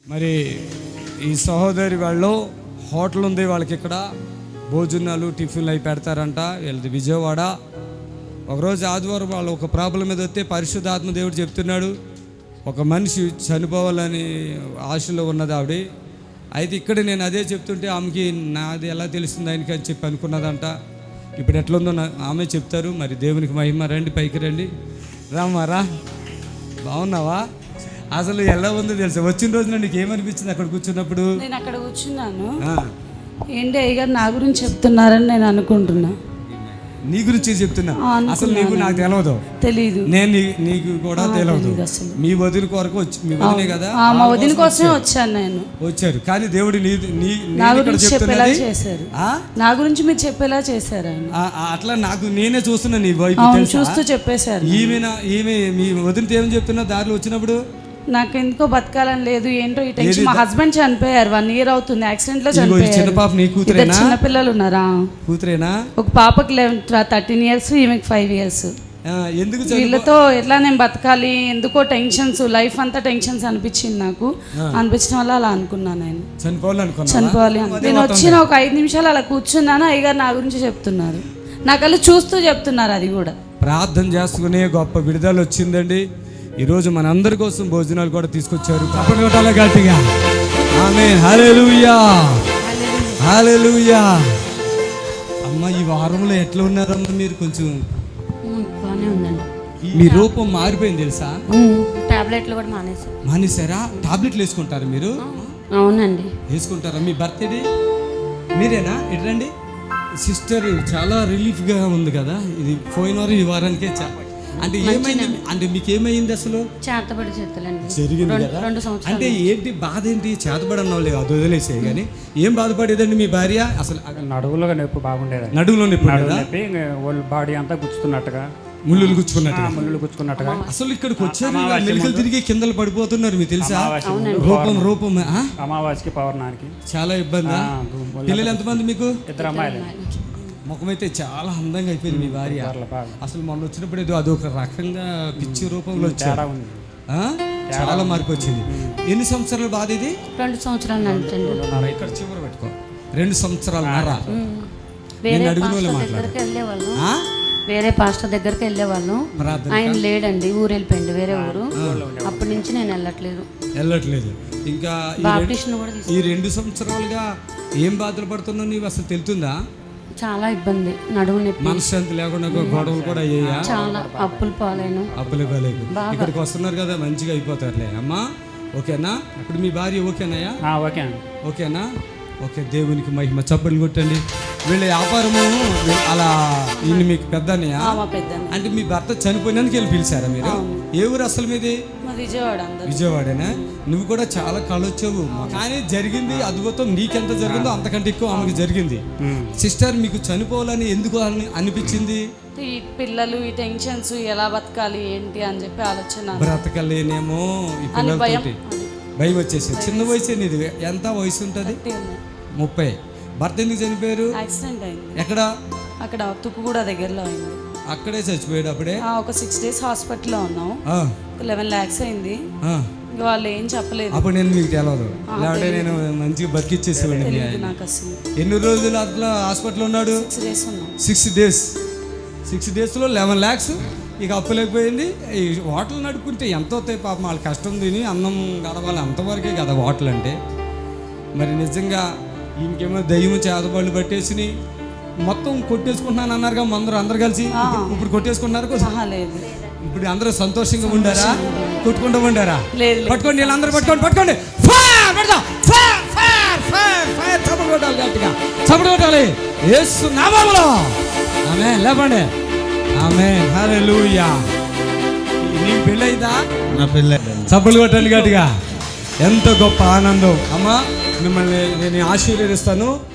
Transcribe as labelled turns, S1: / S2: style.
S1: మరి ఈ సహోదరి వాళ్ళు హోటల్ ఉంది వాళ్ళకి, ఇక్కడ భోజనాలు టిఫిన్లు అవి పెడతారంట. వీళ్ళది విజయవాడ. ఒకరోజు ఆదివారం వాళ్ళు ఒక ప్రాబ్లం మీద వస్తే పరిశుద్ధాత్మ దేవుడు చెప్తున్నాడు, ఒక మనిషి చనిపోవాలని ఆశలో ఉన్నది ఆవిడ. అయితే ఇక్కడ నేను అదే చెప్తుంటే ఆమెకి నాది ఎలా తెలుస్తుంది ఆయనకి అని చెప్పి అనుకున్నదంట. ఇప్పుడు ఎట్లుందో ఆమె చెప్తారు. మరి దేవునికి మహిమ. రండి, పైకి రండి. రామారా, బాగున్నావా? అసలు ఎలా ఉందో తెలుసా? వచ్చిన రోజున నీకు ఏమనిపించింది అక్కడ కూర్చున్నప్పుడు?
S2: నేను అక్కడ కూర్చున్నాను, ఏంటి అయ్యగారు నా గురించి చెప్తున్నారని నేను అనుకుంటున్నా.
S1: నీ గురించి చెప్తున్నా? అసలు నీకు నాకు తెలీదు. నేను నీకు కూడా తెలియదు. మీ వదిన కొరకు వచ్చి, మీ వదినే కదా,
S2: మా వదిన కోసమే వచ్చాను నేను.
S1: వచ్చారు కానీ దేవుడు
S2: నా గురించి చెప్పేలా చేశారు. నా గురించి మీరు చెప్పేలా చేశారు.
S1: అట్లా నాకు నేనే చూస్తున్నా నీ వైపు,
S2: చూస్తూ చెప్పేశారు.
S1: ఈమె మీ వదినతో ఏమని చెప్తున్నా దారిలో వచ్చినప్పుడు?
S2: నాకు ఎందుకో బతకాలని లేదు, ఏంటో ఈ టెన్షన్. మా హస్బెండ్ చనిపోయారు, 1 year అవుతుంది, యాక్సిడెంట్ లో చనిపోయారు.
S1: చిన్న పాప నీ కూతురేనా?
S2: చిన్న పిల్లలు ఉన్నారా?
S1: కూతురేనా?
S2: ఒక పాపకి 13 years, ఈమెకి 5 years.
S1: ఎందుకు
S2: వీళ్ళతో ఎట్లా నేను బతకాలి, ఎందుకో టెన్షన్స్, లైఫ్ అంతా టెన్షన్స్ అనిపించింది నాకు. అనిపించడం వల్ల అలా అనుకున్నాను. నేను చనిపోవాలి. నేను వచ్చిన ఒక 5 నిమిషాలు అలా కూర్చున్నాను, అయ్యగారు నా గురించి చెప్తున్నారు. నాకు అలా చూస్తూ చెప్తున్నారు. అది కూడా
S1: ప్రార్థన చేసుకునే గొప్ప విడుదల వచ్చిందండి. ఈరోజు మన అందరి కోసం భోజనాలు కూడా తీసుకొచ్చారు. చప్పట్లు కొట్టాలి గట్టిగా. ఆమేన్, హల్లెలూయా, హల్లెలూయా. అమ్మ, ఈ వారంలో ఎట్లా ఉన్నారమ్మా మీరు? కొంచెం
S3: బాగానే ఉందండి.
S1: మీ రూపం మారిపోయింది తెలుసా?
S3: టాబ్లెట్లు కూడా
S1: మానేశారా? టాబ్లెట్లు వేసుకుంటారా మీరు?
S3: అవునండి,
S1: వేసుకుంటారా? మీ బర్త్డే మీరేనా? ఎట్లండి సిస్టర్? చాలా రిలీఫ్గా ఉంది కదా ఇది. పోయిన వారం ఈ వారానికే అంటే ఏమైంది? అంటే మీకు ఏమైంది అసలు?
S3: చేతబడి చేతులండి
S1: జరిగింది కదా.
S3: 2 సంవత్సరాలు.
S1: అంటే ఏంటి బాధ? ఏంటి? చేతబడి అన్నావు లేదు, అది వదిలేసే. కానీ ఏం బాధపడేదండి మీ భార్య? అసలు
S4: నడువులో నొప్పి బాగుండేది.
S1: నడువులో నొప్పి,
S4: బాడీ అంతా గుచ్చుతున్నట్టుగా,
S1: ముళ్ళు గుచ్చుకున్నట్టుగా. అసలు ఇక్కడికి వచ్చారు, మెలికలు తిరిగి కిందలు పడిపోతున్నారు. మీకు తెలుసా? రూపం
S4: అమావాస్యకి పౌర్ణానికి
S1: చాలా ఇబ్బంది. పిల్లలు ఎంతమంది మీకు?
S4: 2 అమ్మాయిలు.
S1: ముఖమైతే చాలా అందంగా అయిపోయింది మీ భార్య. అసలు మొన్న వచ్చినప్పుడు ఏదో అదొక రకంగా పిచ్చి రూపంలో వచ్చారు. చాలా మార్పు వచ్చింది. ఎన్ని సంవత్సరాల బాధ ఇది?
S3: 2 సంవత్సరాలు.
S1: ఇక్కడ చివరి పెట్టుకో. 2 సంవత్సరాలు.
S3: వేరే పాస్టర్ దగ్గరికి వెళ్ళేవాళ్ళం. ఆయన లేడండి, ఊరు వెళ్ళిపోయింది, వేరే ఊరు. అప్పటి నుంచి నేను వెళ్ళట్లేదు. ఇంకా ఈ 2 సంవత్సరాలుగా ఏం బాధలు పడుతున్నావు నీవు? అసలు తెలుతుందా? చాలా ఇబ్బంది, నడుము నొప్పి,
S1: మనశ్శాంతి లేకుండా గొడవలు కూడా అయ్యాయా?
S3: చాలా అప్పులు పాలైన.
S1: ఇక్కడికి వస్తున్నారు కదా, మంచిగా అయిపోతారులే అమ్మా. ఓకేనా? ఇప్పుడు మీ భార్య ఓకేనాయా? ఓకేనా? ఓకే, దేవునికి మహిమ. చప్పట్లు కొట్టండి. వీళ్ళ వ్యాపారము అలా. ఈయన మీకు పెద్దన్నయ్య? అంటే మీ భర్త చనిపోయినందుకు వెళ్ళి పిలిచారా మీరు? ఏ ఊరు అసలు మీది? విజయవాడేనా? నువ్వు కూడా చాలా కళొచ్చావు. కానీ జరిగింది అద్భుతం. నీకెంత జరిగిందో అంతకంటే ఎక్కువ ఆమెకి జరిగింది. సిస్టర్, మీకు చనిపోవాలని ఎందుకు అనిపించింది?
S2: ఈ పిల్లలు, ఈ టెన్షన్స్, ఎలా బతకాలి ఏంటి అని చెప్పి ఆలోచన.
S1: బ్రతకలేనేమో ఈ పిల్లలతోటి భయం వచ్చేసి. చిన్న వయసు నీది. ఎంత వయసు ఉంటుంది? 30. భర్త ఎందుకు చనిపోయారు?
S2: యాక్సిడెంట్ అయింది.
S1: ఎక్కడ?
S2: అక్కడ తుక్కుగూడ దగ్గరలో అయింది.
S1: అక్కడే చచ్చిపోయాడు అప్పుడే?
S2: ఒక 6 days హాస్పిటల్లో ఉన్నాం. 11 lakhs అయింది. వాళ్ళు ఏం చెప్పలేదు.
S1: అప్పుడు నేను మీకు తెలవదు, లేదంటే నేను మంచిగా బతికిచ్చేసేవాడిని. ఎన్ని రోజులు అట్లా హాస్పిటల్ ఉన్నాడు? 6 days. 6 daysలో 11 lakhs. ఇక అప్పులేకపోయింది. ఈ హోటల్ నడుపుకుంటే ఎంత అవుతాయి పాపం, వాళ్ళ కష్టం తిని అన్నం గడవాలి, అంతవరకే కదా హోటల్ అంటే. మరి నిజంగా ఇంకేమో దయ్యము చేతబడులు పట్టేసి మొత్తం కొట్టేసుకుంటున్నాను అన్నారుగా అందరూ కలిసి. ఇప్పుడు కొట్టేసుకుంటున్నారు? ఇప్పుడు అందరూ సంతోషంగా ఉండారా? కొట్టుకుంటూ ఉండారా? పట్టుకోండి, వీళ్ళందరూ పట్టుకోండి. చప్పట్లు కొట్టాలి యేసు నామములో. ఆమేన్. లేపండి. ఆమేన్, హల్లెలూయా. నీకు పెళ్ళైందా?
S5: నా పెళ్ళి.
S1: చప్పట్లు కొట్టండి గట్టిగా. ఎంత గొప్ప ఆనందం. అమ్మా, మిమ్మల్ని నేను ఆశీర్వదిస్తాను.